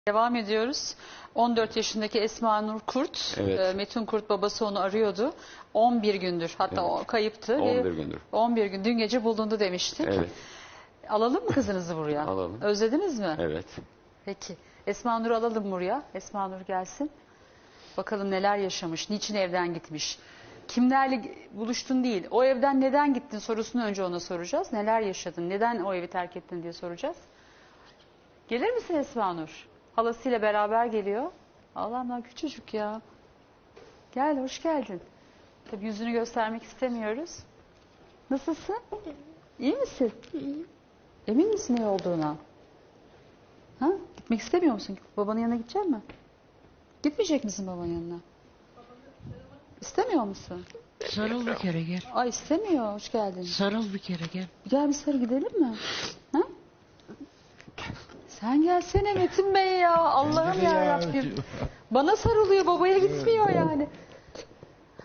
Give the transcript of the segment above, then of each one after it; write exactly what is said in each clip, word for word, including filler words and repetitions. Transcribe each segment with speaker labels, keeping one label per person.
Speaker 1: Devam ediyoruz. on dört yaşındaki Esma Nur Kurt,
Speaker 2: Evet.
Speaker 1: Metin Kurt babası onu arıyordu. on bir gündür, hatta
Speaker 2: Evet.
Speaker 1: o kayıptı.
Speaker 2: on bir gündür.
Speaker 1: on bir gün, dün gece bulundu demiştik.
Speaker 2: Evet.
Speaker 1: Alalım mı kızınızı buraya?
Speaker 2: Alalım.
Speaker 1: Özlediniz mi?
Speaker 2: Evet.
Speaker 1: Peki. Esma Nur'u alalım buraya. Esma Nur gelsin. Bakalım neler yaşamış, niçin evden gitmiş. Kimlerle buluştun değil, o evden neden gittin sorusunu önce ona soracağız. Neler yaşadın, neden o evi terk ettin diye soracağız. Gelir misin Esma Nur? Halasıyla beraber geliyor. Allah'ım lan küçücük ya. Gel, hoş geldin. Tabii yüzünü göstermek istemiyoruz. Nasılsın? İyi misin?
Speaker 3: İyiyim.
Speaker 1: Emin misin iyi olduğuna? Ha? Gitmek istemiyor musun? Babanın yanına gidecek misin? Gitmeyecek misin babanın yanına? İstemiyor musun?
Speaker 3: Sarıl bir kere gel.
Speaker 1: Ay istemiyor. Hoş geldin.
Speaker 3: Sarıl bir kere gel.
Speaker 1: Gel bir sarı gidelim mi? Ha? Sen gelsene Metin Bey ya. Allah'ım ya Rabbim. Bana sarılıyor, babaya gitmiyor yani. Ha?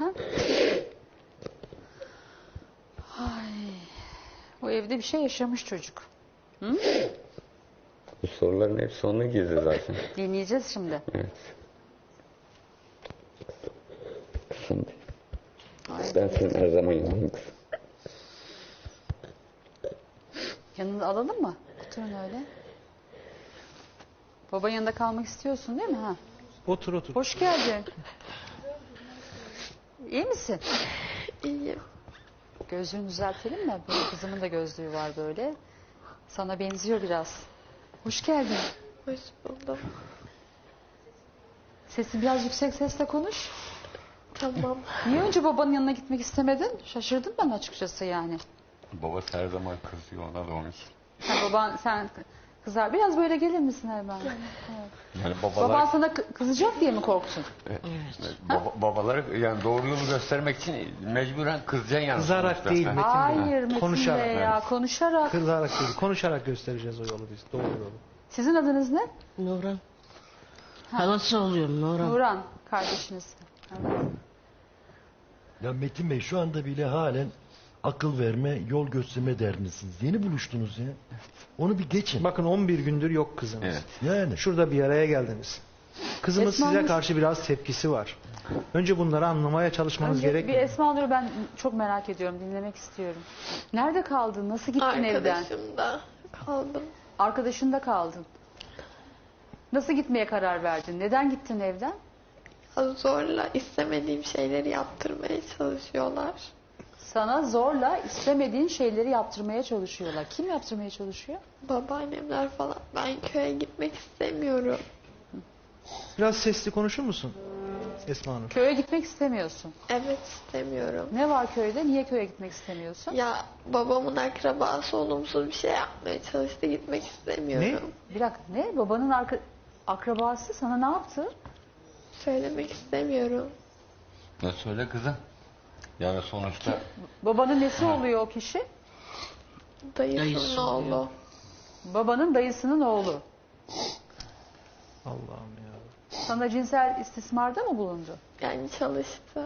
Speaker 1: Ay. O evde bir şey yaşamış çocuk. Hı?
Speaker 2: Bu soruların hepsi onun gizli zaten.
Speaker 1: Dinleyeceğiz şimdi.
Speaker 2: Evet. Kızım. Ben senin her zaman yanındayım kızım.
Speaker 1: Yanında alalım mı? Oturun öyle. Babanın yanında kalmak istiyorsun değil mi? Ha?
Speaker 4: Otur otur.
Speaker 1: Hoş geldin. İyi misin?
Speaker 3: İyiyim.
Speaker 1: Gözlüğünü düzeltelim mi? Benim kızımın da gözlüğü var böyle. Sana benziyor biraz. Hoş geldin.
Speaker 3: Hoş buldum.
Speaker 1: Sesin biraz yüksek sesle konuş.
Speaker 3: Tamam.
Speaker 1: Niye önce babanın yanına gitmek istemedin? Şaşırdım ben açıkçası yani.
Speaker 2: Babası her zaman kızıyor ona da onun için.
Speaker 1: Ha, baban sen kızar. Biraz böyle gelir misin hemen? Evet.
Speaker 2: Yani babalar,
Speaker 1: Baban sana kı- kızacak diye mi korktun?
Speaker 3: Evet.
Speaker 2: baba, babaları yani doğru yolu göstermek için mecburen kızacaksın yani.
Speaker 4: Kızarak
Speaker 2: sonuçta.
Speaker 4: değil
Speaker 2: Ha.
Speaker 4: Metin Bey.
Speaker 1: Hayır Metin
Speaker 4: Konuşarak.
Speaker 1: Bey ya. Konuşarak.
Speaker 4: Kızarak değil. Konuşarak göstereceğiz o yolu biz. Doğru yolu.
Speaker 1: Sizin adınız ne?
Speaker 3: Nurhan. Halası oluyorum Nurhan.
Speaker 1: Nurhan. Kardeşiniz. Evet.
Speaker 5: Ya Metin Bey şu anda bile halen akıl verme, yol gösterme derdindesiniz. Yeni buluştunuz ya. Onu bir geçin.
Speaker 4: Bakın on bir gündür yok kızımız.
Speaker 2: Evet.
Speaker 5: Yani.
Speaker 4: Şurada bir araya geldiniz. Kızımız
Speaker 1: Esma
Speaker 4: size
Speaker 1: Nur-
Speaker 4: karşı biraz tepkisi var. Önce bunları anlamaya çalışmanız
Speaker 1: Önce bir
Speaker 4: gerekmiyor.
Speaker 1: Esma Nur'u ben çok merak ediyorum. Dinlemek istiyorum. Nerede kaldın? Nasıl gittin evden?
Speaker 3: Arkadaşımda kaldım.
Speaker 1: Arkadaşında kaldın. Nasıl gitmeye karar verdin? Neden gittin evden?
Speaker 3: Zorla istemediğim şeyleri yaptırmaya çalışıyorlar.
Speaker 1: Sana zorla istemediğin şeyleri yaptırmaya çalışıyorlar. Kim yaptırmaya çalışıyor?
Speaker 3: Babaannemler falan. Ben köye gitmek istemiyorum.
Speaker 4: Biraz sesli konuşur musun Esma Hanım?
Speaker 1: Köye gitmek istemiyorsun.
Speaker 3: Evet istemiyorum.
Speaker 1: Ne var köyde? Niye köye gitmek istemiyorsun?
Speaker 3: Ya babamın akrabası olumsuz bir şey yapmaya çalıştı. Gitmek istemiyorum.
Speaker 1: Bir dakika ne? Babanın arka, akrabası sana ne yaptı?
Speaker 3: Söylemek istemiyorum.
Speaker 2: Ne söyle kızım? Yani sonuçta
Speaker 1: Babanın nesi oluyor o kişi?
Speaker 3: Dayısının oğlu.
Speaker 1: Babanın dayısının oğlu.
Speaker 4: Allah'ım ya.
Speaker 1: Sana cinsel istismarda mı bulundu?
Speaker 3: Yani çalıştı.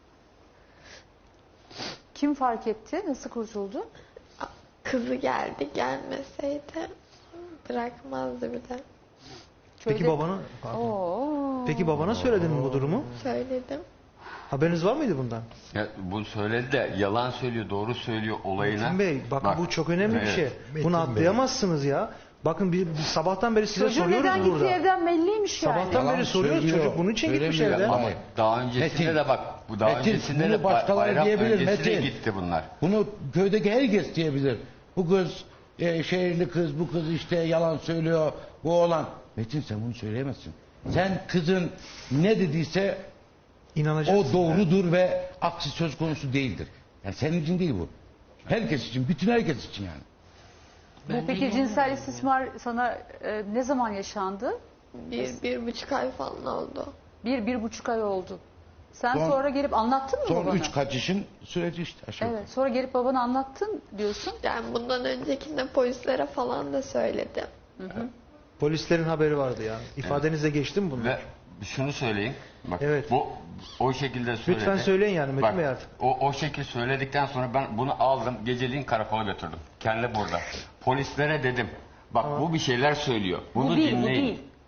Speaker 1: Kim fark etti? Nasıl kurtuldu?
Speaker 3: Kızı geldi, gelmeseydi bırakmazdı bir de.
Speaker 4: Peki
Speaker 1: Köyde-
Speaker 4: babana pardon.
Speaker 1: Oo.
Speaker 4: Peki babana söyledin mi bu durumu?
Speaker 3: Söyledim.
Speaker 4: Haberiniz var mıydı bundan?
Speaker 2: ya, bu söyledi de yalan söylüyor, doğru söylüyor olayına.
Speaker 4: Metin Bey bakın
Speaker 2: Bak,
Speaker 4: bu çok önemli bir
Speaker 2: evet.
Speaker 4: şey.
Speaker 5: Metin
Speaker 4: Bunu
Speaker 5: Bey.
Speaker 4: atlayamazsın ya. Bakın bir, bir sabahtan beri size
Speaker 1: Çocuğun
Speaker 4: soruyoruz
Speaker 1: neden
Speaker 4: burada.
Speaker 1: gittiği evden belliymiş yani.
Speaker 4: Sabahtan
Speaker 6: Yalan
Speaker 4: beri soruyoruz.
Speaker 6: söylüyor,
Speaker 4: Çocuk bunun için gitmiş
Speaker 6: söylemiyor
Speaker 4: evden.
Speaker 2: Ama daha öncesinde
Speaker 6: Metin,
Speaker 2: de bak, bu daha
Speaker 6: Metin,
Speaker 2: öncesinde
Speaker 6: bunu
Speaker 2: de
Speaker 6: başkaları
Speaker 2: bayram
Speaker 6: diyebilir,
Speaker 2: öncesinde
Speaker 6: Metin.
Speaker 2: gitti bunlar.
Speaker 6: Bunu köydeki herkes diyebilir. Bu kız e, şehirli kız, bu kız işte yalan söylüyor, bu oğlan. Metin sen bunu söyleyemezsin. Sen kızın ne dediyse
Speaker 4: İnanacaksın.
Speaker 6: o doğrudur ve aksi söz konusu değildir. Yani senin için değil bu. Herkes için, bütün herkes için yani.
Speaker 1: Bu peki cinsel istismar sana e, ne zaman yaşandı?
Speaker 3: Bir, bir buçuk ay falan oldu.
Speaker 1: Bir, bir buçuk ay oldu. Sen
Speaker 6: Son-
Speaker 1: sonra gelip anlattın mı
Speaker 6: Son
Speaker 1: babana?
Speaker 6: üç kaçışın süreci işte aşağı yukarı.
Speaker 1: Evet, sonra gelip babana anlattın diyorsun.
Speaker 3: Yani bundan öncekinde polislere falan da söyledim.
Speaker 4: Polislerin haberi vardı ya. İfadenize geçti mi bunlar?
Speaker 2: Ve şunu söyleyeyim. Bak,
Speaker 4: Evet.
Speaker 2: Bu o şekilde söyledi.
Speaker 4: Lütfen söyleyin yani Metin
Speaker 2: Bak,
Speaker 4: Bey artık.
Speaker 2: O, o şekil söyledikten sonra ben bunu aldım. Geceliğin karakola götürdüm. Kendi burada. Polislere dedim. Bak bu bir şeyler söylüyor. Bunu
Speaker 1: Bu değil, bu
Speaker 2: dinleyin.
Speaker 1: değil.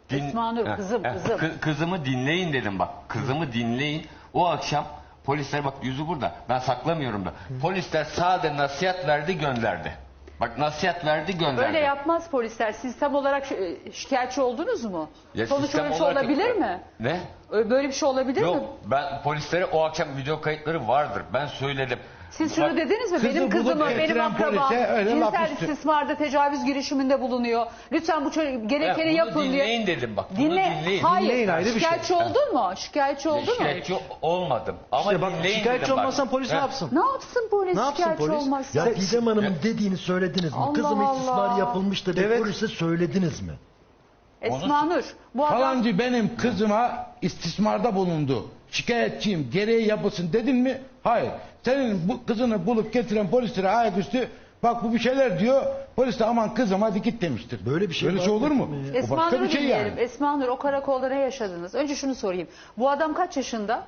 Speaker 2: Din-
Speaker 1: Esma Nur,
Speaker 2: Ha,
Speaker 1: kızım,
Speaker 2: ha,
Speaker 1: kızım.
Speaker 2: kı- kızımı dinleyin dedim bak. Kızımı dinleyin. O akşam polisler bak yüzü burada. Ben saklamıyorum da. Polisler sade nasihat verdi gönderdi. Bak nasihat verdi gönderdi.
Speaker 1: Öyle yapmaz polisler. Siz tam olarak şi- şikayetçi oldunuz mu?
Speaker 2: Ya
Speaker 1: Sonuç
Speaker 2: sistem
Speaker 1: öyle bir şey
Speaker 2: olarak-
Speaker 1: olabilir mi?
Speaker 2: Ne?
Speaker 1: Öyle- Böyle bir şey olabilir mi?
Speaker 2: Yok ben polislere o akşam video kayıtları vardır. Ben söyledim.
Speaker 1: Siz şunu
Speaker 2: Bak-
Speaker 1: dediniz mi?
Speaker 6: kızı
Speaker 1: Benim
Speaker 6: bulup
Speaker 1: kızımı, benim
Speaker 6: getiren
Speaker 1: akrabam
Speaker 6: polise öyle laf
Speaker 1: cinsel
Speaker 6: üstü.
Speaker 1: istismarda tecavüz girişiminde bulunuyor. Lütfen bu çocuk
Speaker 2: Ya
Speaker 1: gerekeni
Speaker 2: bunu
Speaker 1: yapın diye.
Speaker 2: dinleyin dedim bak. Bunu
Speaker 1: Dinle.
Speaker 2: dinleyin.
Speaker 1: Hayır.
Speaker 4: Dinleyin ayrı bir şey.
Speaker 1: Şikayetçi oldun mu? Şikayetçi oldun mu?
Speaker 2: Şikayetçi olmadım. Ama
Speaker 4: İşte bak
Speaker 2: dinleyin
Speaker 4: şikayetçi
Speaker 2: dedim bak.
Speaker 4: olmazsan polis ne
Speaker 2: Ha.
Speaker 4: yapsın?
Speaker 1: Ne yapsın polis
Speaker 4: Ne yapsın
Speaker 1: şikayetçi
Speaker 4: polis?
Speaker 1: olmazsa?
Speaker 5: Ya Didem Hanım'ın dediğini söylediniz mi?
Speaker 1: Allah
Speaker 5: Kızım
Speaker 1: Allah.
Speaker 5: istismar yapılmış da bir
Speaker 4: Evet.
Speaker 5: polise söylediniz mi?
Speaker 1: Esma Nur. Bu adam
Speaker 6: Falancı benim kızıma istismarda bulundu. Şikayetçiyim, gereği yapılsın dedin mi? Hayır. Senin bu kızını bulup getiren polislere ayaküstü bak bu bir şeyler diyor. Polis de aman kızım hadi git demiştir.
Speaker 5: Böyle bir şey
Speaker 6: Böyle
Speaker 5: var
Speaker 6: şey
Speaker 5: mı?
Speaker 6: olur mu? O
Speaker 1: Esma
Speaker 6: başka
Speaker 1: Nur'u
Speaker 6: bir şey
Speaker 1: dinleyelim.
Speaker 6: yani.
Speaker 1: Esma Nur, o karakolda ne yaşadınız? Önce şunu sorayım. Bu adam kaç yaşında?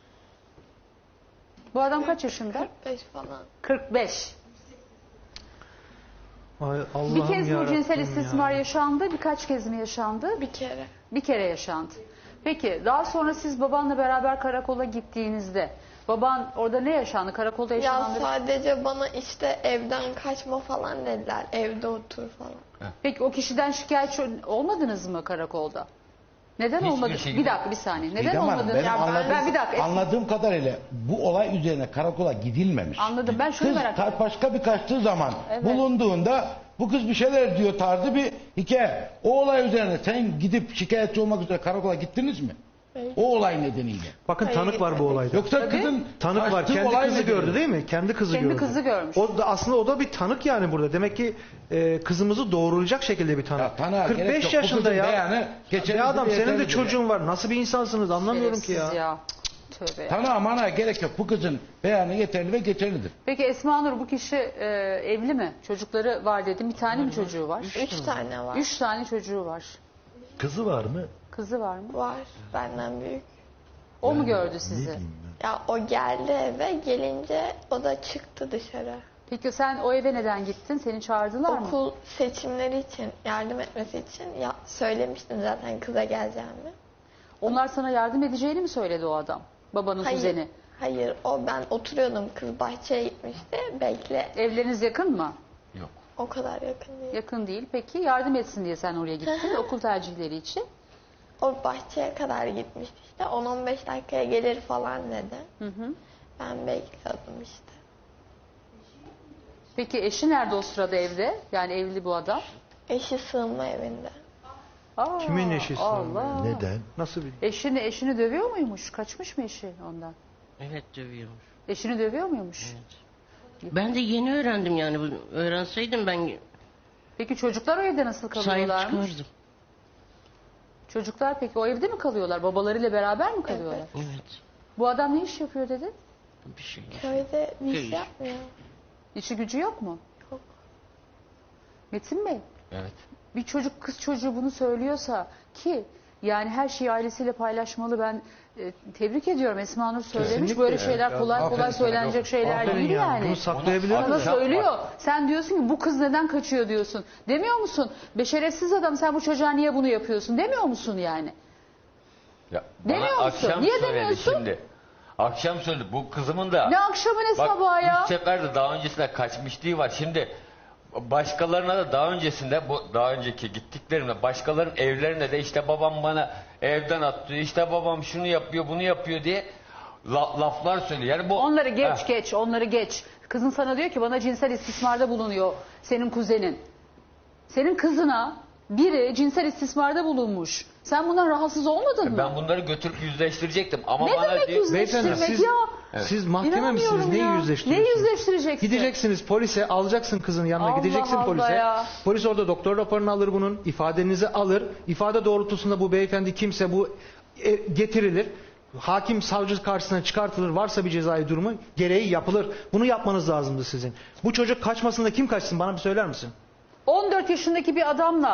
Speaker 1: Bu adam kaç yaşında?
Speaker 3: kırk beş falan.
Speaker 1: kırk beş.
Speaker 4: Ay Allah'ım
Speaker 1: Bir kez bu
Speaker 4: yarabbim
Speaker 1: cinsel
Speaker 4: ya.
Speaker 1: istismar yaşandı, birkaç kez mi yaşandı?
Speaker 3: Bir kere.
Speaker 1: Bir kere yaşandı. Peki daha sonra siz babanla beraber karakola gittiğinizde baban orada ne yaşandı? Karakolda
Speaker 3: Ya
Speaker 1: yaşananları...
Speaker 3: sadece bana işte evden kaçma falan dediler. Evde otur falan.
Speaker 1: Peki o kişiden şikayetçi olmadınız mı karakolda? Neden
Speaker 2: Hiçbir
Speaker 1: olmadı?
Speaker 2: şekilde-
Speaker 1: Bir dakika bir saniye. Neden
Speaker 6: Didem Hanım,
Speaker 1: olmadınız?
Speaker 6: benim
Speaker 1: Ya ben-
Speaker 6: anladığım,
Speaker 1: ben bir dakika.
Speaker 6: anladığım kadarıyla bu olay üzerine karakola gidilmemiş.
Speaker 1: Anladım. Ben şunu
Speaker 6: Kız
Speaker 1: merak
Speaker 6: ka-
Speaker 1: ettim.
Speaker 6: başka bir kaçtığı zaman
Speaker 1: Evet.
Speaker 6: bulunduğunda bu kız bir şeyler diyor tarzı bir hikaye. O olay üzerine sen gidip şikayetçi olmak üzere karakola gittiniz mi?
Speaker 3: Hayır.
Speaker 6: O olay nedeniyle.
Speaker 4: Bakın
Speaker 3: Hayır,
Speaker 4: tanık var bu
Speaker 3: gitmedik.
Speaker 4: olayda.
Speaker 6: Yoksa
Speaker 1: Tabii.
Speaker 6: kızın
Speaker 4: Tanık var.
Speaker 6: kaçtığı
Speaker 4: Kendi
Speaker 6: olay
Speaker 4: kızı
Speaker 6: nedeniyle.
Speaker 4: gördü değil mi? Kendi kızı
Speaker 1: Kendi
Speaker 4: gördü.
Speaker 1: kızı görmüş.
Speaker 4: O da aslında o da bir tanık yani burada. Demek ki e, kızımızı doğrulayacak şekilde bir tanık.
Speaker 6: Ya tanığa gerek
Speaker 4: kırk beş
Speaker 6: yok. Bu
Speaker 4: yaşında
Speaker 6: kızın
Speaker 4: ya.
Speaker 6: beyanı geçerli
Speaker 4: Bir adam
Speaker 6: bir
Speaker 4: senin de
Speaker 6: yeterlidir
Speaker 4: çocuğun var. Nasıl bir insansınız anlamıyorum ki ya.
Speaker 1: Şerefsiz ya. Tövbe ya.
Speaker 6: Tanığa mana gerek yok. Bu kızın beyanı yeterli ve geçerlidir.
Speaker 1: Peki Esma Nur bu kişi e, evli mi? Çocukları var dedim. Bir tane mi çocuğu var?
Speaker 3: Üç tane var.
Speaker 1: Üç tane çocuğu var.
Speaker 5: Kızı var mı?
Speaker 1: Kızı var mı?
Speaker 3: Var. Benden büyük.
Speaker 1: O mu gördü
Speaker 5: Ne
Speaker 1: sizi?
Speaker 5: diyeyim ben?
Speaker 3: Ya o geldi eve, gelince o da çıktı dışarı.
Speaker 1: Peki sen o eve neden gittin? Seni çağırdılar mı?
Speaker 3: Okul seçimleri için, yardım etmesi için ya söylemiştim zaten kıza geleceğimi.
Speaker 1: Onlar sana yardım edeceğini mi söyledi o adam? Babanın
Speaker 3: Hayır.
Speaker 1: kuzeni.
Speaker 3: Hayır, o ben oturuyordum, kız bahçeye gitmişti. Bekle.
Speaker 1: Evleriniz yakın mı?
Speaker 2: Yok.
Speaker 3: O kadar yakın değil.
Speaker 1: Yakın değil. Peki yardım etsin diye sen oraya gittin okul tercihleri için.
Speaker 3: O bahçeye kadar gitmişti işte. on on beş dakikaya gelir falan dedi.
Speaker 1: Hı hı.
Speaker 3: Ben bekliyordum işte.
Speaker 1: Peki eşi nerede o sırada evde? Yani evli bu adam.
Speaker 3: Eşi sığınma evinde.
Speaker 1: Aa,
Speaker 4: Kimin eşi sığınma
Speaker 1: Allah.
Speaker 5: Neden?
Speaker 4: Nasıl bir...
Speaker 1: Eşini eşini dövüyor muymuş? Kaçmış mı eşi ondan?
Speaker 7: Evet dövüyormuş.
Speaker 1: Eşini dövüyor muymuş?
Speaker 7: Ben de yeni öğrendim yani. Bu- Öğrenseydim ben
Speaker 1: Peki çocuklar o evde nasıl
Speaker 7: sahip
Speaker 1: kalıyorlarmış?
Speaker 7: çıkardım.
Speaker 1: Çocuklar peki o evde mi kalıyorlar? Babalarıyla beraber mi kalıyorlar?
Speaker 7: Evet.
Speaker 1: Bu adam ne iş yapıyor dedi?
Speaker 7: Bir şey.
Speaker 3: Köyde bir
Speaker 7: Köy
Speaker 3: iş
Speaker 7: işi.
Speaker 3: yapmıyor.
Speaker 1: İşi gücü yok mu?
Speaker 3: Yok.
Speaker 1: Metin Bey,
Speaker 2: Evet.
Speaker 1: bir çocuk kız çocuğu bunu söylüyorsa ki yani her şeyi ailesiyle paylaşmalı, ben e, tebrik ediyorum. Esma Nur söylemiş.
Speaker 4: Kesinlikle.
Speaker 1: Böyle şeyler
Speaker 6: Evet,
Speaker 1: kolay
Speaker 6: aferin
Speaker 1: kolay
Speaker 6: sana,
Speaker 1: söylenecek
Speaker 6: yok.
Speaker 1: şeyler
Speaker 4: Aferin
Speaker 1: değil
Speaker 4: yani.
Speaker 1: yani.
Speaker 4: Bunu saklayabilir
Speaker 1: Sana
Speaker 4: mi?
Speaker 2: Akşam
Speaker 1: söylüyor.
Speaker 2: var.
Speaker 1: Sen diyorsun ki bu kız neden kaçıyor diyorsun. Demiyor musun? Beşeretsiz adam, sen bu çocuğa niye bunu yapıyorsun demiyor musun yani?
Speaker 2: Ya,
Speaker 1: Demiyor
Speaker 2: bana
Speaker 1: musun?
Speaker 2: akşam
Speaker 1: Niye
Speaker 2: söyledi
Speaker 1: demiyorsun?
Speaker 2: Şimdi. Akşam söyledi. Bu kızımın da.
Speaker 1: Ne akşamı ne
Speaker 2: Bak,
Speaker 1: sabahı ya?
Speaker 2: üç sefer de daha öncesinde kaçmışlığı var. Şimdi başkalarına da daha öncesinde bu daha önceki gittiklerimde başkalarının evlerine de işte babam bana evden attı. İşte babam şunu yapıyor, bunu yapıyor diye la- laflar söylüyor. Yani bu
Speaker 1: Onları geç
Speaker 2: Ha,
Speaker 1: geç, onları geç. Kızın sana diyor ki bana cinsel istismarda bulunuyor senin kuzenin. Senin kızına biri cinsel istismarda bulunmuş. Sen bundan rahatsız olmadın mı?
Speaker 2: Ben bunları götürüp yüzleştirecektim ama
Speaker 1: Ne
Speaker 2: bana
Speaker 1: demek
Speaker 2: diyor,
Speaker 1: yüzleştirmek
Speaker 4: Beyefendi siz,
Speaker 1: ya?
Speaker 4: siz mahkeme misiniz?
Speaker 1: İnanmıyorum
Speaker 4: Neyi
Speaker 1: ya.
Speaker 4: yüzleştiriyorsunuz?
Speaker 1: Neyi yüzleştireceksin?
Speaker 4: Gideceksiniz polise, alacaksın kızın yanına,
Speaker 1: Allah
Speaker 4: gideceksin
Speaker 1: Allah
Speaker 4: polise.
Speaker 1: ya.
Speaker 4: Polis orada doktor raporunu alır bunun, ifadenizi alır. İfade doğrultusunda bu beyefendi kimse bu e, getirilir. Hakim savcı karşısına çıkartılır. Varsa bir cezai durumu gereği yapılır. Bunu yapmanız lazımdı sizin. Bu çocuk kaçmasında kim kaçsın bana bir söyler misin?
Speaker 1: on dört yaşındaki bir adamla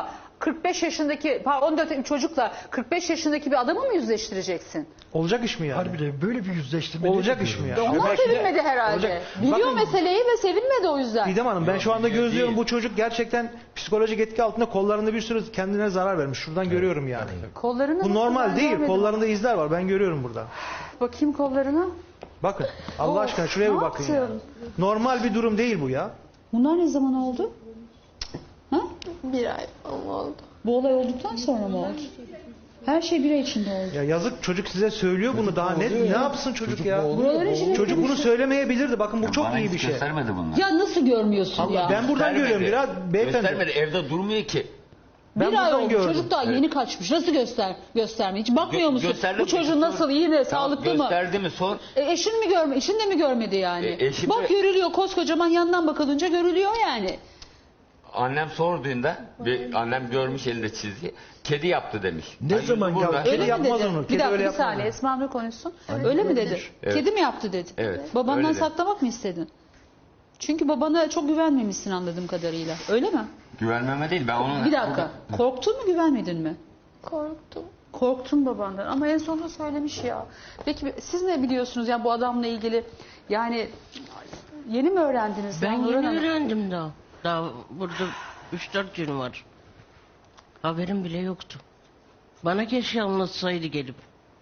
Speaker 1: kırk beş yaşındaki, pardon, on dört çocukla kırk beş yaşındaki bir adamı mı yüzleştireceksin?
Speaker 4: Olacak iş mi yani?
Speaker 5: Harbiden böyle bir yüzleştirme
Speaker 4: Olacak
Speaker 5: nedir
Speaker 4: iş mi
Speaker 5: ya?
Speaker 4: yani?
Speaker 1: Ondan
Speaker 6: belki de-
Speaker 1: sevinmedi herhalde.
Speaker 4: Olacak.
Speaker 1: Biliyor
Speaker 4: Bakın-
Speaker 1: meseleyi ve sevinmedi o yüzden.
Speaker 4: Didem Hanım ben
Speaker 2: Yok,
Speaker 4: şu anda
Speaker 2: biliyor
Speaker 4: gözlüyorum
Speaker 2: değil.
Speaker 4: bu çocuk gerçekten psikolojik etki altında, kollarında bir sürü kendine zarar vermiş. Şuradan görüyorum yani.
Speaker 1: Kollarını
Speaker 4: Bu
Speaker 1: nasıl
Speaker 4: normal
Speaker 1: ben
Speaker 4: değil.
Speaker 1: görmedim.
Speaker 4: Kollarında izler var. Ben görüyorum burada.
Speaker 1: Bakayım kollarına.
Speaker 4: Bakın. Allah
Speaker 1: Of,
Speaker 4: aşkına şuraya
Speaker 1: ne
Speaker 4: bir bakın ya.
Speaker 1: yaptın?
Speaker 4: Normal bir durum değil bu ya.
Speaker 1: Bunlar ne zaman oldu? Ha?
Speaker 3: Bir ay falan oldu.
Speaker 1: Bu olay olduktan sonra mı oldu? Her şey bir ay içinde oldu.
Speaker 4: Ya yazık, çocuk size söylüyor bunu, daha ne ne yapsın çocuk, ya?
Speaker 1: Buraların içinde
Speaker 4: Çocuk bunu söylemeyebilirdi. Bakın bu çok
Speaker 2: Bana
Speaker 4: iyi
Speaker 2: hiç
Speaker 4: bir şey.
Speaker 2: göstermedi bunlar.
Speaker 1: Ya nasıl görmüyorsun
Speaker 4: Allah,
Speaker 1: ya?
Speaker 4: ben buradan
Speaker 2: Göstermedi.
Speaker 4: görüyorum biraz beyefendi.
Speaker 2: Göstermedi, evde durmuyor ki.
Speaker 4: Ben
Speaker 1: bir ay
Speaker 4: buradan
Speaker 1: oldu.
Speaker 4: gördüm.
Speaker 1: Çocuk daha yeni kaçmış. Nasıl göster göstermiyor? Hiç bakmıyor
Speaker 2: Gö-
Speaker 1: musun?
Speaker 2: gösterdim
Speaker 1: Bu
Speaker 2: mi?
Speaker 1: çocuğun
Speaker 2: Sor.
Speaker 1: nasıl, iyi mi,
Speaker 2: Tamam,
Speaker 1: sağlıklı mı?
Speaker 2: gösterdi mi sor.
Speaker 1: E, eşin mi görme, eşin de mi görmedi yani?
Speaker 2: E, eşim
Speaker 1: Bak
Speaker 2: de-
Speaker 1: görülüyor, koskocaman yandan bakılınca görülüyor yani.
Speaker 2: Annem sorduğunda bir annem görmüş elinde çizgi. Kedi yaptı demiş.
Speaker 5: Ne
Speaker 2: Ay,
Speaker 5: zaman
Speaker 2: burada.
Speaker 5: yaptı?
Speaker 1: Öyle mi
Speaker 4: yapmaz
Speaker 1: dedi?
Speaker 4: onu,
Speaker 1: Bir
Speaker 4: kedi
Speaker 1: dakika
Speaker 4: öyle
Speaker 1: bir
Speaker 4: yapmaz
Speaker 1: saniye
Speaker 4: onu.
Speaker 1: Esma Nur konuşsun. Öyle mi dedi?
Speaker 2: Evet.
Speaker 1: Kedi mi yaptı dedi?
Speaker 2: Evet,
Speaker 1: Babandan
Speaker 2: öyle dedi.
Speaker 1: saklamak mı istedin? Çünkü babana çok güvenmemişsin anladığım kadarıyla. Öyle mi?
Speaker 2: Güvenmeme değil, ben onun...
Speaker 1: Bir dakika. Korktun mu, güvenmedin mi?
Speaker 3: Korktum.
Speaker 1: Korktun babandan ama en sonunda söylemiş ya. Peki siz ne biliyorsunuz ya bu adamla ilgili? Yani yeni mi öğrendiniz?
Speaker 7: Ben
Speaker 1: ya Nurhan
Speaker 7: yeni
Speaker 1: Hanım?
Speaker 7: öğrendim daha. Daha burada üç dört gün var. Haberim bile yoktu. Bana keşke anlatsaydı gelip.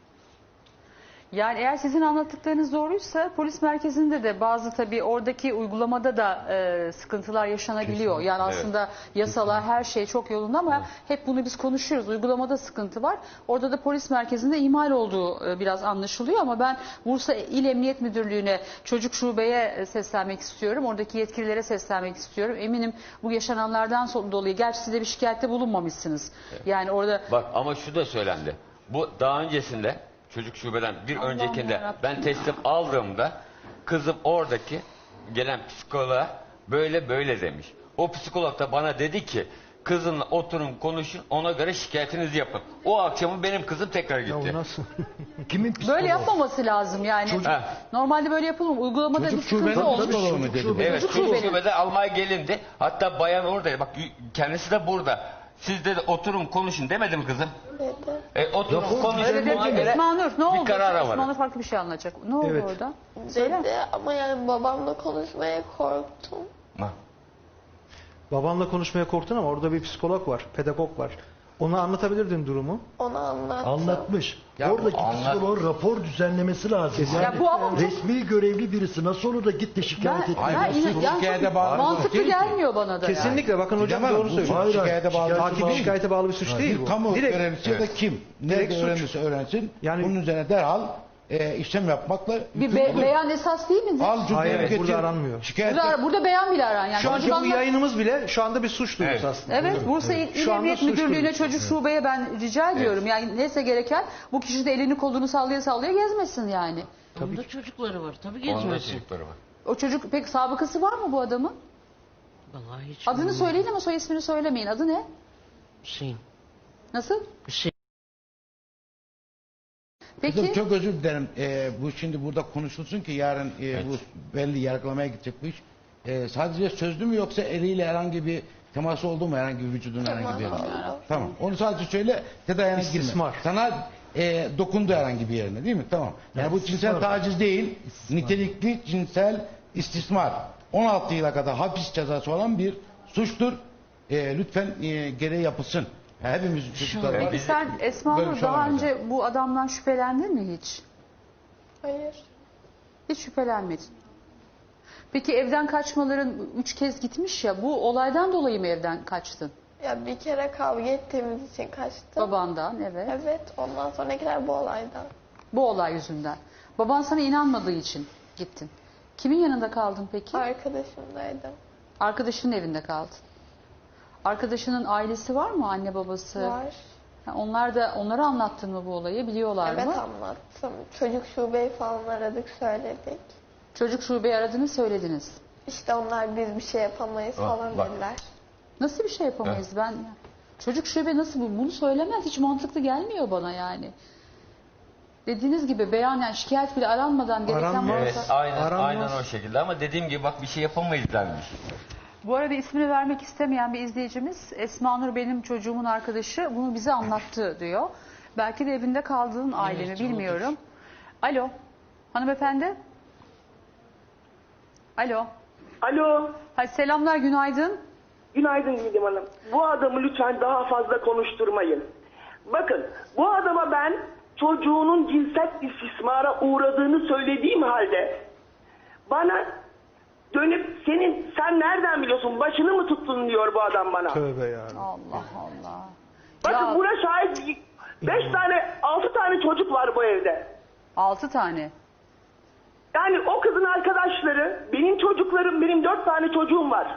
Speaker 1: Yani eğer sizin anlattıklarınız doğruysa polis merkezinde de bazı tabii oradaki uygulamada da e, sıkıntılar yaşanabiliyor. Yani aslında yasalar her şey çok yolunda ama hep bunu biz konuşuyoruz. Uygulamada sıkıntı var. Orada da polis merkezinde ihmal olduğu e, biraz anlaşılıyor ama ben Bursa İl Emniyet Müdürlüğü'ne, çocuk şubeye e, seslenmek istiyorum. Oradaki yetkililere seslenmek istiyorum. Eminim bu yaşananlardan so- dolayı, gerçi siz de bir şikayette bulunmamışsınız. Yani orada
Speaker 2: Bak ama şu da söylendi. Bu daha öncesinde çocuk şubeden bir
Speaker 1: Allah'ım
Speaker 2: öncekinde
Speaker 1: yarabbim.
Speaker 2: ben teslim aldığımda kızım oradaki gelen psikoloğa böyle böyle demiş. O psikolog da bana dedi ki kızımla oturun konuşun, ona göre şikayetinizi yapın. O akşamı benim kızım tekrar
Speaker 4: Ya
Speaker 2: gitti.
Speaker 4: o nasıl?
Speaker 5: Kimin psikoloğu?
Speaker 1: böyle yapmaması lazım yani.
Speaker 2: Ha.
Speaker 1: Normalde böyle yapılmıyor. Uygulamada
Speaker 6: Çocuk
Speaker 1: bir sıkıntı
Speaker 6: şubenin
Speaker 1: olmuş.
Speaker 6: psikoloğu mu dedi?
Speaker 2: Evet,
Speaker 1: Çocuk
Speaker 2: çocuk
Speaker 1: şubenin.
Speaker 2: şubede almaya gelindi. Hatta bayan oradaydı. Bak kendisi de burada. Siz de oturun konuşun demedi mi kızım?
Speaker 3: Dedi.
Speaker 2: E, oturun konuşun.
Speaker 1: Öyle dedi.
Speaker 2: ona göre
Speaker 1: Esma Nur ne oldu?
Speaker 2: Bir karara
Speaker 1: Esma
Speaker 2: varın.
Speaker 1: Nur farklı bir şey anlatacak. Ne oldu
Speaker 4: Evet.
Speaker 1: orada? Söyle.
Speaker 3: Dedi ama yani babamla konuşmaya korktum.
Speaker 2: Ha.
Speaker 4: Babanla konuşmaya korktun ama orada bir psikolog var, pedagog var. Ona anlatabilirdin durumu.
Speaker 3: Ona anlattım.
Speaker 5: Anlatmış.
Speaker 2: Ya
Speaker 5: Oradaki
Speaker 2: bu anlat-
Speaker 5: psikoloğun rapor düzenlemesi lazım. Yani
Speaker 1: Ya bu ama çok-
Speaker 5: resmi görevli birisi nasıl olur da gitti şikayet
Speaker 1: Ben,
Speaker 5: etti.
Speaker 1: ben
Speaker 6: Hayır,
Speaker 1: yine-
Speaker 6: bu
Speaker 1: yani
Speaker 6: şikayete
Speaker 1: çok
Speaker 6: bağlı
Speaker 1: mantıklı
Speaker 6: değil ki.
Speaker 1: gelmiyor bana da. yani.
Speaker 4: Kesinlikle bakın hocam
Speaker 6: Didem
Speaker 4: doğru
Speaker 6: Hanım, bu
Speaker 4: söylüyor.
Speaker 5: Hayır,
Speaker 6: şikayete bağlı.
Speaker 5: şikayete
Speaker 4: Takibi
Speaker 5: değil.
Speaker 4: şikayete bağlı bir suç değil
Speaker 6: Bir
Speaker 4: bu.
Speaker 6: kamu
Speaker 4: Direkt
Speaker 6: görevlisi ya da kim
Speaker 4: Direkt
Speaker 6: nerede
Speaker 4: suç.
Speaker 6: öğrenirse öğrensin.
Speaker 4: Yani-
Speaker 6: bunun üzerine derhal e, işlem yapmakla
Speaker 1: Bir be-
Speaker 6: yükümlüdür.
Speaker 1: beyan esas değil midir?
Speaker 6: Al cüzdanı
Speaker 4: Hayır,
Speaker 6: getir.
Speaker 4: burada aranmıyor.
Speaker 6: Şikayet
Speaker 1: Burada, burada beyan bile aran. Yani
Speaker 4: Şu anki bu
Speaker 1: çocuklar-
Speaker 4: yayınımız bile şu anda bir suç duyurusu
Speaker 2: Evet.
Speaker 4: aslında.
Speaker 1: Evet, Bursa İl, İl
Speaker 4: Şu anda
Speaker 1: Emniyet
Speaker 4: suç
Speaker 1: Müdürlüğü'ne
Speaker 4: duyurusu.
Speaker 1: çocuk şubeye ben rica ediyorum. Yani neyse gereken bu kişi de elini kolunu sallaya sallaya gezmesin yani.
Speaker 7: Onun da çocukları var. Tabii
Speaker 2: Onun da
Speaker 7: gezmesin.
Speaker 2: çocukları var.
Speaker 1: O çocuk pek sabıkası var mı bu adamın?
Speaker 7: Vallahi hiç
Speaker 1: Adını
Speaker 7: bilmiyorum.
Speaker 1: söyleyin ama soy ismini söylemeyin. Adı ne?
Speaker 7: Hüseyin.
Speaker 1: Nasıl?
Speaker 7: Hüseyin.
Speaker 6: Kızım
Speaker 1: Peki.
Speaker 6: çok özür dilerim. Ee, bu şimdi burada konuşulsun ki yarın e, bu belli yargılamaya gidecek bu iş. Ee, sadece sözlü mü yoksa eliyle herhangi bir teması oldu mu herhangi bir vücudun herhangi bir yerine?
Speaker 3: oldu.
Speaker 6: Tamam. Onu sadece söyle detayına girme.
Speaker 4: İstismar.
Speaker 6: Sana e, dokundu herhangi bir yerine değil mi? Tamam. Yani bu cinsel taciz değil. Nitelikli cinsel istismar. on altı yıla kadar hapis cezası olan bir suçtur. E, lütfen e, gereği yapılsın. Hepimizin çocukları var.
Speaker 1: Peki sen Esma
Speaker 6: Böyle
Speaker 1: Nur
Speaker 6: bir şey
Speaker 1: daha
Speaker 6: olamaz
Speaker 1: önce bu adamdan şüphelendin mi hiç?
Speaker 3: Hayır.
Speaker 1: Hiç şüphelenmedin. Peki evden kaçmaların üç kez gitmiş ya, bu olaydan dolayı mı evden kaçtın?
Speaker 3: Ya bir kere kavga ettiğimiz için kaçtım.
Speaker 1: Babandan, evet.
Speaker 3: Evet. Ondan sonrakiler bu olaydan.
Speaker 1: Bu olay yüzünden. Baban sana inanmadığı için gittin. Kimin yanında kaldın peki?
Speaker 3: Arkadaşımdaydım.
Speaker 1: Arkadaşının evinde kaldın. Arkadaşının ailesi var mı? Anne babası?
Speaker 3: Var.
Speaker 1: Ha, onlar da onlara anlattın mı bu olayı? Biliyorlar
Speaker 3: Evet
Speaker 1: mı?
Speaker 3: anlattım. Çocuk şubeyi falan aradık söyledik.
Speaker 1: Çocuk şubeyi aradınız, söylediniz.
Speaker 3: İşte onlar biz bir şey yapamayız
Speaker 2: Bak,
Speaker 3: falan
Speaker 2: bak.
Speaker 3: dediler.
Speaker 1: Nasıl bir şey yapamayız ben? Çocuk şube nasıl bu? Bunu söylemez. Hiç mantıklı gelmiyor bana yani. Dediğiniz gibi beyan, yani şikayet bile aranmadan gereken
Speaker 4: Aranmaz.
Speaker 2: Evet,
Speaker 1: varsa-
Speaker 2: aynen,
Speaker 4: Aranmaz.
Speaker 2: aynen o şekilde ama dediğim gibi bak bir şey yapamayız denmiş.
Speaker 1: Bu arada ismini vermek istemeyen bir izleyicimiz Esma Nur benim çocuğumun arkadaşı bunu bize anlattı diyor. Belki de evinde kaldığın aile mi
Speaker 7: Evet,
Speaker 1: bilmiyorum. Alo hanımefendi. Alo.
Speaker 8: Alo,
Speaker 1: Hay selamlar günaydın.
Speaker 8: günaydın Didem Hanım. Bu adamı lütfen daha fazla konuşturmayın. Bakın, bu adama ben çocuğunun cinsel istismara uğradığını söylediğim halde bana dönüp senin sen nereden biliyorsun başını mı tuttun diyor bu adam bana.
Speaker 4: Tövbe ya.
Speaker 1: Allah Allah.
Speaker 8: Bakın
Speaker 1: Ya-
Speaker 8: buna şahit beş tane altı tane çocuk var bu evde.
Speaker 1: Altı tane.
Speaker 8: Yani o kızın arkadaşları, benim çocuklarım, benim dört tane çocuğum var.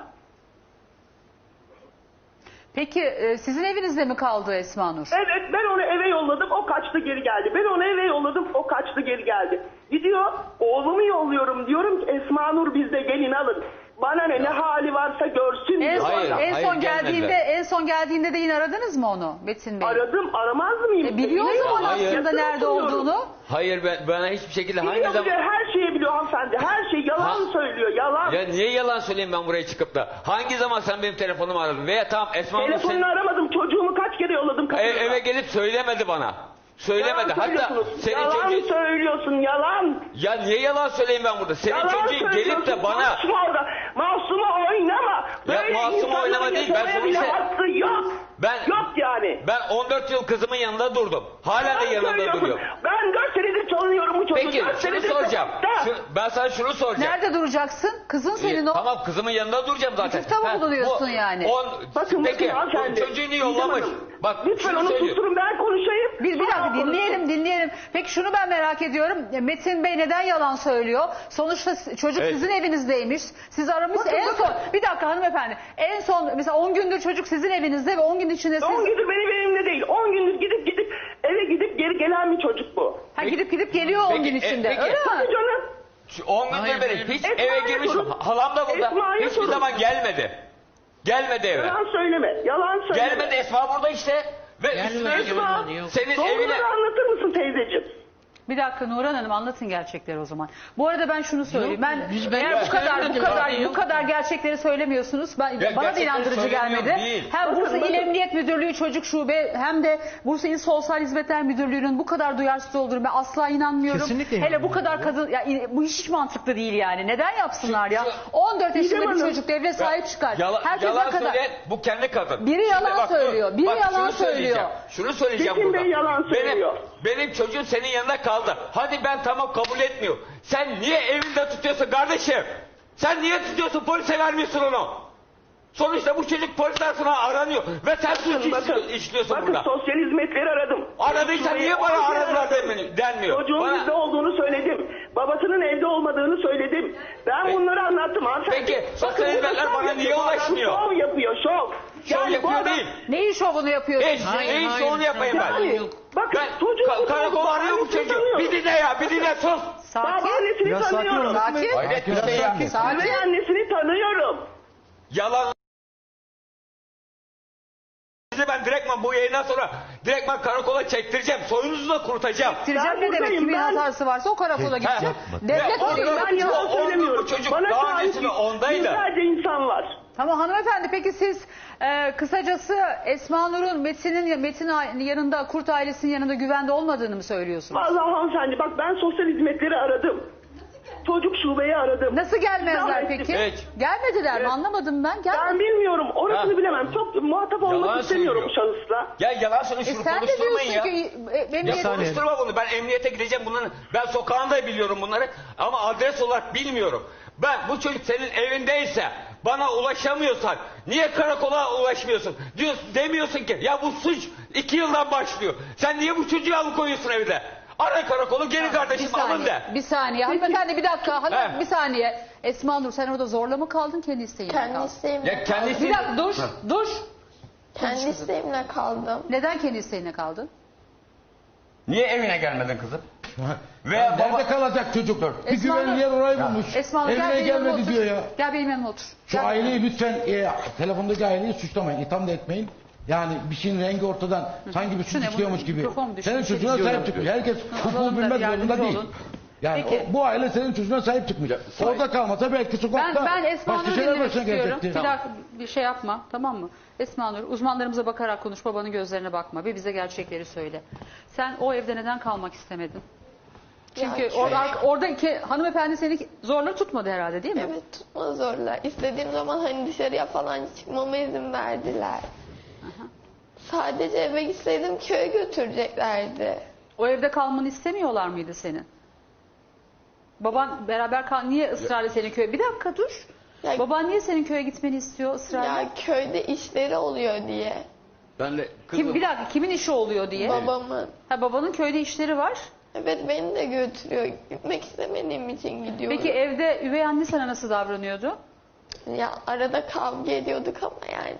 Speaker 1: Peki e, sizin evinizde mi kaldı Esma Nur?
Speaker 8: Evet, ben onu eve yolladım, o kaçtı geri geldi. Ben onu eve yolladım, o kaçtı geri geldi. Gidiyor, oğlumu yolluyorum, diyorum ki Esma Nur bizde gelin alın. Bana ne, ne hali varsa görsün
Speaker 1: En
Speaker 8: diyor.
Speaker 1: son,
Speaker 2: Hayır,
Speaker 1: en
Speaker 2: hayır,
Speaker 1: son geldiğinde
Speaker 2: gelmediler.
Speaker 1: en son geldiğinde de yine aradınız mı onu Metin Bey?
Speaker 8: Aradım, aramaz mıyım?
Speaker 1: E, biliyor o
Speaker 8: Yine
Speaker 1: zaman
Speaker 8: yok.
Speaker 2: Hayır.
Speaker 1: aslında
Speaker 8: Yakın
Speaker 1: nerede
Speaker 8: oturuyorum.
Speaker 1: olduğunu.
Speaker 2: Hayır ben bana hiçbir şekilde hangi
Speaker 8: Biliyor,
Speaker 2: zaman...
Speaker 8: biliyor, her şeyi biliyor hanımefendi. Her şey yalan
Speaker 2: Ha.
Speaker 8: söylüyor, yalan.
Speaker 2: Ya niye yalan söyleyeyim ben buraya çıkıp da? Hangi zaman sen benim telefonumu aradın? Veya tamam Esma Hanım
Speaker 8: Telefonunu
Speaker 2: sen-
Speaker 8: aramadım, çocuğumu kaç kere yolladım
Speaker 2: E-
Speaker 8: kapıya.
Speaker 2: eve gelip söylemedi bana. Söylemedi.
Speaker 8: Yalan
Speaker 2: Hatta
Speaker 8: söylüyorsunuz.
Speaker 2: senin
Speaker 8: yalan
Speaker 2: çocuğun...
Speaker 8: söylüyorsun, yalan.
Speaker 2: Ya niye yalan söyleyeyim ben burada? Senin
Speaker 8: Yalan
Speaker 2: çocuğun gelip
Speaker 8: söylüyorsun,
Speaker 2: de bana...
Speaker 8: Masuma orada. Masuma oynama. Böyle
Speaker 2: masuma
Speaker 8: insanların
Speaker 2: oynama değil, ben
Speaker 8: yaşamaya bile
Speaker 2: sonuçta-
Speaker 8: hakkı yok.
Speaker 2: Ben-
Speaker 8: Yok yani.
Speaker 2: Ben on dört yıl kızımın yanında durdum. Hala da
Speaker 8: Yalan
Speaker 2: yanında
Speaker 8: söylüyorsun.
Speaker 2: duruyor.
Speaker 8: Ben dört senedir tanıyorum bu çocuğu.
Speaker 2: Peki
Speaker 8: dört
Speaker 2: şunu
Speaker 8: senedir
Speaker 2: soracağım.
Speaker 8: sokakta.
Speaker 2: Şu- ben sana şunu soracağım.
Speaker 1: Nerede duracaksın? Kızın senin
Speaker 2: Ee,
Speaker 1: o.
Speaker 2: Tamam kızımın yanında duracağım zaten.
Speaker 1: Çocukta mı
Speaker 2: Ha,
Speaker 1: bulunuyorsun
Speaker 2: bu
Speaker 1: yani?
Speaker 2: On,
Speaker 8: Bakın
Speaker 2: peki
Speaker 8: bakın
Speaker 2: bu
Speaker 8: hanımefendi.
Speaker 2: çocuğunu
Speaker 8: Didem
Speaker 2: yollamış.
Speaker 8: Hanım,
Speaker 2: Bak
Speaker 8: lütfen
Speaker 2: şunu
Speaker 8: onu
Speaker 2: söylüyorum.
Speaker 8: susturun, ben konuşayım.
Speaker 1: Bir, bir dakika
Speaker 8: Sonra konuşun.
Speaker 1: dinleyelim dinleyelim. Peki şunu ben merak ediyorum. Metin Bey neden yalan söylüyor? Sonuçta s- çocuk
Speaker 2: Evet.
Speaker 1: sizin evinizdeydmiş. Siz aramışsınız.
Speaker 8: Bakın,
Speaker 1: En
Speaker 8: bakın.
Speaker 1: son bir dakika hanımefendi. En son mesela on gündür çocuk sizin evinizde ve on gün içinde siz
Speaker 8: on gündür benim evimde değil. on gündür gidip gidip eve gidip geri gelen bir çocuk bu.
Speaker 1: ha, gidip gidip geliyor on
Speaker 2: Peki,
Speaker 1: gün
Speaker 2: e,
Speaker 1: içinde.
Speaker 2: peki.
Speaker 1: Öyle mi?
Speaker 8: Hadi canım.
Speaker 2: Şu on
Speaker 7: Hayır,
Speaker 2: gündür beri
Speaker 7: hayır.
Speaker 2: hiç
Speaker 8: Esma'ya
Speaker 2: eve girmiş.
Speaker 8: sorun.
Speaker 2: Halam da burada.
Speaker 8: Esma'ya
Speaker 2: Hiçbir
Speaker 8: sorun.
Speaker 2: zaman gelmedi. Gelmedi eve.
Speaker 8: Yalan söyleme. Yalan söyleme.
Speaker 2: Gelmedi Esma burada işte. Ve
Speaker 7: Gelmedi,
Speaker 2: üstüne
Speaker 7: gelmedi,
Speaker 2: üstlük
Speaker 7: yok.
Speaker 2: senin evine...
Speaker 8: Doğruları anlatır mısın teyzeciğim?
Speaker 1: Bir dakika Nurhan Hanım anlatın gerçekleri o zaman. Bu arada ben şunu söyleyeyim.
Speaker 7: Yok,
Speaker 1: Ben
Speaker 7: biz- ben
Speaker 1: eğer bu kadar bu
Speaker 7: söylemedim
Speaker 1: kadar
Speaker 7: abi,
Speaker 1: bu
Speaker 7: yok.
Speaker 1: kadar gerçekleri söylemiyorsunuz. Ben,
Speaker 2: Ya
Speaker 1: bana da
Speaker 2: gerçekleri
Speaker 1: inandırıcı
Speaker 2: söylemiyor
Speaker 1: gelmedi.
Speaker 2: değil.
Speaker 1: Hem
Speaker 8: Bakın,
Speaker 1: Bursa İl
Speaker 8: bakın.
Speaker 1: Emniyet Müdürlüğü Çocuk Şube hem de Bursa İl Sosyal Hizmetler Müdürlüğü'nün bu kadar duyarsız olduğunu ben asla inanmıyorum.
Speaker 4: Kesinlikle
Speaker 1: Hele bu
Speaker 4: inanmıyorum
Speaker 1: kadar
Speaker 4: ya.
Speaker 1: kadın ya in- bu hiç mantıklı değil yani. Neden yapsınlar ya?
Speaker 2: Şu-
Speaker 1: on dört yaşında
Speaker 8: Didem
Speaker 1: bir
Speaker 8: Hanım,
Speaker 1: çocuk devlet sahip çıkar.
Speaker 2: Yala,
Speaker 1: Herkes
Speaker 2: yalan
Speaker 1: ne kadar
Speaker 2: söyleyen bu kendi kadın.
Speaker 1: Biri yalan
Speaker 2: bak, dur.
Speaker 1: söylüyor, biri
Speaker 2: Bak,
Speaker 1: yalan
Speaker 2: şunu söyleyeceğim.
Speaker 1: söylüyor.
Speaker 2: Şunu söyleyeceğim
Speaker 8: Metin
Speaker 2: burada.
Speaker 8: Bey yalan söylüyor.
Speaker 2: Benim, benim çocuğum senin yanında kaldı. Hadi ben tamam kabul etmiyor. Sen niye evinde tutuyorsun kardeşim? Sen niye tutuyorsun polise vermiyorsun onu? Sonuçta bu çocuk polis tarafından aranıyor. Ve sen suç
Speaker 8: Bakın,
Speaker 2: iş- işliyorsun
Speaker 8: bakın
Speaker 2: burada.
Speaker 8: sosyal hizmetleri aradım.
Speaker 2: Aradıysa
Speaker 8: Şurayı
Speaker 2: niye bana
Speaker 8: on kere
Speaker 2: aradılar
Speaker 8: aradım.
Speaker 2: denmiyor- denmiyor?
Speaker 8: Çocuğun
Speaker 2: Bana-
Speaker 8: bizde olduğunu söyledim. Babasının evde olmadığını söyledim. Ben
Speaker 2: Peki-
Speaker 8: bunları anlattım hanımefendi.
Speaker 2: Peki, sosyal
Speaker 8: Bakın, burada
Speaker 2: hizmetler
Speaker 8: şov
Speaker 2: bana
Speaker 8: yapıyor.
Speaker 2: niye
Speaker 8: Bu adam
Speaker 2: ulaşmıyor?
Speaker 8: Şov yapıyor, şov.
Speaker 2: Şov
Speaker 8: Yani bu
Speaker 2: yapıyor
Speaker 8: adam-
Speaker 2: değil.
Speaker 1: Neyin şovunu yapıyorsun?
Speaker 2: Hiç,
Speaker 7: Hayır,
Speaker 2: hiç
Speaker 7: hayır,
Speaker 2: onu yapayım ben.
Speaker 8: Yani,
Speaker 7: Yok.
Speaker 8: bakın
Speaker 2: Ben
Speaker 8: çocuk
Speaker 2: ka- karakol arıyor bu çocuğu. Bir dinle ya, bir dinle sus.
Speaker 1: Sakin.
Speaker 8: Babaannesini
Speaker 4: Biraz sakin
Speaker 8: tanıyorum.
Speaker 4: olun.
Speaker 1: Sakin.
Speaker 2: Hayret bir şey ya.
Speaker 1: Sakin.
Speaker 8: Üvey annesini tanıyorum.
Speaker 2: Yalan. Sizi ben direktman bu yayından sonra direktman karakola çektireceğim. Soyunuzu da kurutacağım.
Speaker 1: Tireceğim
Speaker 8: Ben
Speaker 1: ne demek?
Speaker 8: buradayım,
Speaker 1: Kimin
Speaker 8: ben-
Speaker 1: hatası varsa o karakola gidecek.
Speaker 2: Ha.
Speaker 1: Devlet
Speaker 2: Ya,
Speaker 1: veriyor.
Speaker 8: Ben yalan
Speaker 2: O- o-
Speaker 8: söylemiyorum.
Speaker 2: bu çocuk
Speaker 8: Bana
Speaker 2: daha
Speaker 8: şahit
Speaker 2: öncesinde ondaydı.
Speaker 8: Yüzlerce insan var.
Speaker 1: Tamam hanımefendi peki siz e, kısacası Esma Nur'un Metin'in Metin a- yanında Kurt ailesinin yanında güvende olmadığını mı söylüyorsunuz?
Speaker 8: Vallahi hanımefendi bak ben sosyal hizmetleri aradım. Çocuk şubeyi aradım.
Speaker 1: Nasıl gelmezler
Speaker 8: Devam
Speaker 1: peki?
Speaker 8: ettim.
Speaker 2: Evet.
Speaker 1: Gelmediler mi?
Speaker 8: Evet.
Speaker 1: Anlamadım ben.
Speaker 8: Ben
Speaker 1: Gelmedi.
Speaker 8: bilmiyorum. Orasını
Speaker 2: Ha.
Speaker 8: bilemem. Çok muhatap olmak
Speaker 2: Yalan
Speaker 8: istemiyorum bu
Speaker 2: söylüyor.
Speaker 8: şahısla.
Speaker 2: Ya yalan söyle
Speaker 1: E
Speaker 2: şunu
Speaker 1: sen de
Speaker 2: konuşturmayın
Speaker 1: diyorsun
Speaker 2: ya.
Speaker 1: ki e, benim
Speaker 2: Ya
Speaker 1: yerim-
Speaker 4: saniye.
Speaker 2: konuşturma bunu. Ben emniyete gideceğim bunların. Ben sokağında biliyorum bunları. Ama adres olarak bilmiyorum. Ben bu çocuk senin evindeyse bana ulaşamıyorsan niye karakola ulaşmıyorsun? Diyorsun, demiyorsun ki ya bu suç iki yıldan başlıyor. Sen niye bu çocuğu alıkoyuyorsun evde? Ara karakolu geri
Speaker 1: bir
Speaker 2: kardeşim alın
Speaker 1: saniye,
Speaker 2: de.
Speaker 1: bir saniye. Hanımefendi bir dakika. Hanım,
Speaker 2: He.
Speaker 1: bir saniye. Esma Nur sen orada zorla mı kaldın kendi isteğinle mi
Speaker 3: Kendi
Speaker 1: kaldın?
Speaker 3: isteğimle
Speaker 2: Ya kendisi...
Speaker 1: Bir dakika dur. Dur.
Speaker 3: Kendi isteğimle kaldım.
Speaker 1: Neden kendi isteğine kaldın?
Speaker 2: Niye evine gelmedin kızım? Veya
Speaker 6: Ya
Speaker 2: baba...
Speaker 6: nerede kalacak çocuk? Bir
Speaker 1: Esma
Speaker 6: güvenli
Speaker 1: Hanım-
Speaker 6: yer orayı bulmuş.
Speaker 1: Esma Nur gel
Speaker 6: Evine
Speaker 1: benim yanıma
Speaker 6: gelmedi
Speaker 1: otur.
Speaker 6: diyor ya.
Speaker 1: Gel benim yanıma otur.
Speaker 6: Şu
Speaker 1: Gel.
Speaker 6: aileyi lütfen e, telefondaki aileyi suçlamayın, itham da etmeyin. Yani bir şeyin rengi ortadan sanki bir
Speaker 1: Şu
Speaker 6: suç
Speaker 1: ne, bu
Speaker 6: işliyormuş gibi.
Speaker 1: mikrofon mu düştü?
Speaker 6: Senin
Speaker 1: Bir şey
Speaker 6: çocuğuna
Speaker 1: diyeceğim.
Speaker 6: sahip çıkıyor. Herkes
Speaker 1: Alalım
Speaker 6: hukuku
Speaker 1: da
Speaker 6: bilmek
Speaker 1: yardımcı
Speaker 6: zorunda değil.
Speaker 1: olun.
Speaker 6: Yani
Speaker 1: Peki.
Speaker 6: o- bu aile senin çocuğuna sahip çıkmış.
Speaker 2: sahip.
Speaker 6: Orada kalmasa belki sokakta
Speaker 1: Ben, ben Esma
Speaker 6: başka
Speaker 1: Nur'u
Speaker 6: şeyler
Speaker 1: dinlemek
Speaker 6: başına
Speaker 1: istiyorum.
Speaker 6: gelecekti.
Speaker 1: Bir dakika bir şey yapma, tamam mı? Esma Nur, uzmanlarımıza bakarak konuş, babanın gözlerine bakma ve bize gerçekleri söyle. Sen o evde neden kalmak istemedin? Çünkü
Speaker 3: Ya,
Speaker 1: orada, oradaki hanımefendi seni zorla tutmadı herhalde, değil mi?
Speaker 3: Evet, tutma zorla. İstediğim zaman hani dışarıya falan çıkmama izin verdiler. Sadece eve gitseydim köye götüreceklerdi.
Speaker 1: O evde kalmanı istemiyorlar mıydı senin? Baban beraber kal, niye ısrarla senin köye? Bir dakika dur.
Speaker 3: Ya-
Speaker 1: Baban niye senin köye gitmeni istiyor ısrarla?
Speaker 3: Ya köyde işleri oluyor diye.
Speaker 2: Ben de kızım,
Speaker 1: Kim, bir dakika kimin işi oluyor diye?
Speaker 3: Babamın.
Speaker 1: Ha, babanın köyde işleri var.
Speaker 3: Evet, beni de götürüyor. Gitmek istemediğim için gidiyorum.
Speaker 1: Peki evde üvey anne sana nasıl davranıyordu?
Speaker 3: Ya arada kavga ediyorduk ama yani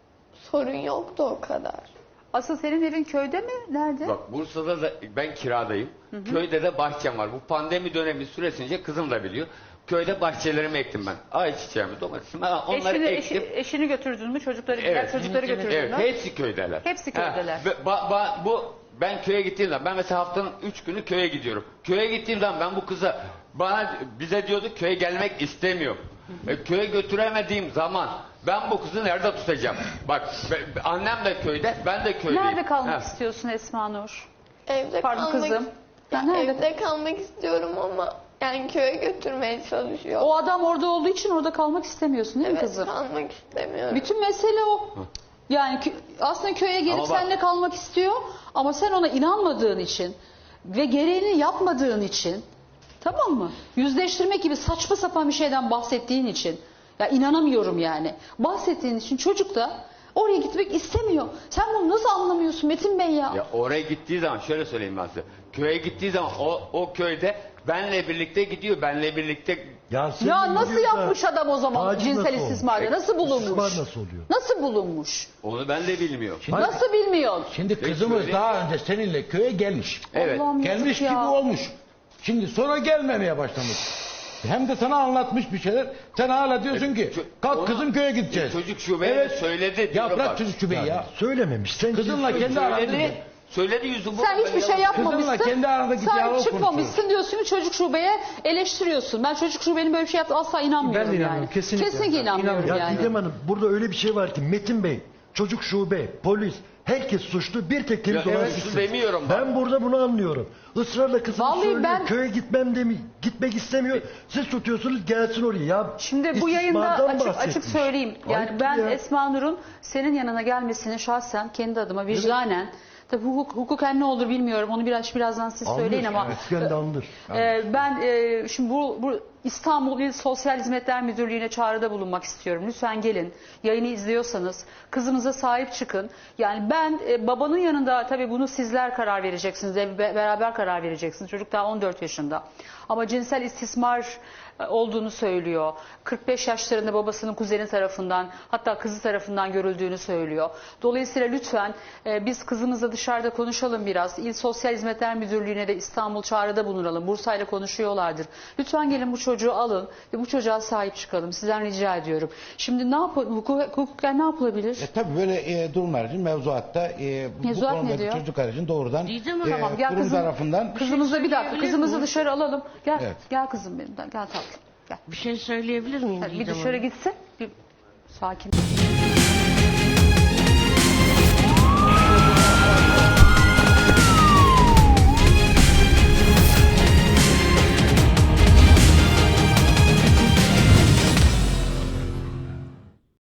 Speaker 3: sorun yoktu o kadar.
Speaker 1: Asıl senin evin köyde mi? Nerede?
Speaker 2: bak Bursa'da da ben kiradayım. Köyde de bahçem var. Bu pandemi dönemi süresince kızım da biliyor. Köyde bahçelerimi ektim ben. Ayçiçeğimi, domatesimi. Ha, onları
Speaker 1: Eşini,
Speaker 2: ektim.
Speaker 1: eşi- eşini götürdün mü? Çocukları, diğer
Speaker 2: Evet.
Speaker 1: çocukları
Speaker 7: Evet,
Speaker 1: götürdün
Speaker 2: Evet,
Speaker 1: mü?
Speaker 2: hepsi köydeler.
Speaker 1: Hepsi
Speaker 2: Ha,
Speaker 1: köydeler.
Speaker 2: ve ba- ba- bu ben köye gittiğim zaman, ben mesela haftanın üç günü köye gidiyorum. Köye gittiğim zaman ben bu kıza, bana bize diyordu köye gelmek istemiyor. E, köye götüremediğim zaman ben bu kızı nerede tutacağım? Bak be- annem de köyde, ben de köydeyim.
Speaker 1: Nerede kalmak
Speaker 2: Ha.
Speaker 1: istiyorsun Esma Nur?
Speaker 3: Evde
Speaker 1: Pardon
Speaker 3: kalmak,
Speaker 1: kızım.
Speaker 3: Ya
Speaker 1: Nerede?
Speaker 3: evde kalmak istiyorum ama yani köye götürmeye çalışıyor.
Speaker 1: O adam orada olduğu için orada kalmak istemiyorsun değil mi
Speaker 3: Evet,
Speaker 1: kızım?
Speaker 3: kalmak istemiyorum.
Speaker 1: Bütün mesele o. Yani kö- aslında köye gelip
Speaker 2: Ama bak-
Speaker 1: seninle kalmak istiyor ama sen ona inanmadığın için ve gereğini yapmadığın için, tamam mı? Yüzleştirmek gibi saçma sapan bir şeyden bahsettiğin için, ya inanamıyorum yani. Bahsettiğin için çocuk da oraya gitmek istemiyor. Sen bunu nasıl anlamıyorsun Metin Bey ya?
Speaker 2: Ya oraya gittiği zaman şöyle söyleyeyim ben size. Köye gittiği zaman o, o köyde benle birlikte gidiyor. Benle birlikte
Speaker 5: Ya, senin
Speaker 1: Ya nasıl
Speaker 5: gidiyorsa
Speaker 1: yapmış adam o zaman
Speaker 5: taciz
Speaker 1: cinsel
Speaker 5: nasıl olmuş?
Speaker 1: istismarda? Nasıl bulunmuş?
Speaker 5: İstismar nasıl oluyor?
Speaker 1: Nasıl bulunmuş?
Speaker 2: onu ben de bilmiyorum.
Speaker 1: Nasıl bilmiyorsun?
Speaker 6: Şimdi kızımız
Speaker 2: söyleyeyim.
Speaker 6: daha önce seninle köye gelmiş.
Speaker 2: Evet.
Speaker 1: Allah'ım
Speaker 6: Gelmiş
Speaker 1: yazık
Speaker 6: gibi
Speaker 1: ya.
Speaker 6: olmuş. Şimdi sonra gelmemeye başlamış. Hem de sana anlatmış bir şeyler. Sen hala diyorsun ki
Speaker 2: ço-
Speaker 6: kalk
Speaker 2: onu-
Speaker 6: kızım köye gideceğiz.
Speaker 2: Çocuk şubeye de söyledi
Speaker 6: Ya
Speaker 2: diyorum
Speaker 6: bırak
Speaker 2: bak.
Speaker 6: çocuk şubeyi ya.
Speaker 5: Söylememiş. Sen
Speaker 6: Kızınla
Speaker 5: kimsin?
Speaker 6: kendi aranda.
Speaker 2: Söyledi. Söyledi yüzü bu.
Speaker 1: Sen hiçbir şey yapmamışsın.
Speaker 6: Kızınla kendi arandaki
Speaker 1: Sen
Speaker 6: diyaloğu
Speaker 1: çıkmamışsın diyorsun ki çocuk şubeye eleştiriyorsun. Ben çocuk şubenin böyle bir şey yaptı asla inanmıyorum
Speaker 4: Ben de
Speaker 1: yani.
Speaker 4: inanmıyorum, kesinlikle.
Speaker 1: Kesinlikle inanmıyorum
Speaker 5: Ya
Speaker 1: yani.
Speaker 5: Didem Hanım, burada öyle bir şey var ki Metin Bey, çocuk şube, polis, herkes suçlu, bir tek temiz
Speaker 2: Ya,
Speaker 5: olan
Speaker 2: evet,
Speaker 5: sizsiniz.
Speaker 2: demiyorum bak.
Speaker 5: Ben burada bunu anlıyorum. Israrla kızım
Speaker 1: Vallahi
Speaker 5: söylüyor,
Speaker 1: ben-
Speaker 5: köye gitmem demi, gitmek istemiyor. Siz tutuyorsunuz gelsin oraya. Ya
Speaker 1: Şimdi bu yayında
Speaker 5: istismardan
Speaker 1: açık açık
Speaker 5: bahsetmiş.
Speaker 1: söyleyeyim. Yani
Speaker 5: Ayıp
Speaker 1: ben
Speaker 5: ya.
Speaker 1: Esma Nur'un senin yanına gelmesini şahsen kendi adıma vicdanen, tabii hukuk, hukuken ne olur bilmiyorum. Onu biraz birazdan siz
Speaker 5: Andır,
Speaker 1: söyleyin ama
Speaker 5: hukuken de andır.
Speaker 1: Ee, ben e, şimdi bu, bu İstanbul İl Sosyal Hizmetler Müdürlüğü'ne çağrıda bulunmak istiyorum. Lütfen gelin. Yayını izliyorsanız kızımıza sahip çıkın. Yani ben e, babanın yanında, tabii bunu sizler karar vereceksiniz. Be- beraber karar vereceksiniz. Çocuk daha on dört yaşında. Ama cinsel istismar e, olduğunu söylüyor. kırk beş yaşlarında babasının kuzeni tarafından, hatta kızı tarafından görüldüğünü söylüyor. Dolayısıyla lütfen e, biz kızımızla dışarıda konuşalım biraz. İl Sosyal Hizmetler Müdürlüğü'ne de İstanbul çağrıda bulunalım. Bursa'yla konuşuyorlardır. Lütfen gelin bu çocuğu alın ve bu çocuğa sahip çıkalım. Sizden rica ediyorum. Şimdi ne yapalım? Hukuk, hukuken ne yapılabilir?
Speaker 6: E tabii böyle e, durumlar için mevzuatta e, bu
Speaker 1: Mevzuat ne
Speaker 6: konudaki
Speaker 1: diyor?
Speaker 6: çocuklar için doğrudan
Speaker 7: Diyeceğim
Speaker 6: e,
Speaker 7: ama
Speaker 1: Gel
Speaker 6: kurum
Speaker 1: kızım,
Speaker 6: tarafından
Speaker 1: kızımızı bir dakika.
Speaker 7: söyleyebilir
Speaker 1: Kızımızı
Speaker 7: miyim?
Speaker 1: dışarı alalım. Gel.
Speaker 6: Evet.
Speaker 1: Gel kızım benim. Gel tatlım. Gel.
Speaker 7: Bir şey söyleyebilir miyim
Speaker 1: Hadi bir
Speaker 7: Didem
Speaker 1: dışarı
Speaker 7: Hanım?
Speaker 1: gitsin. Bir sakin.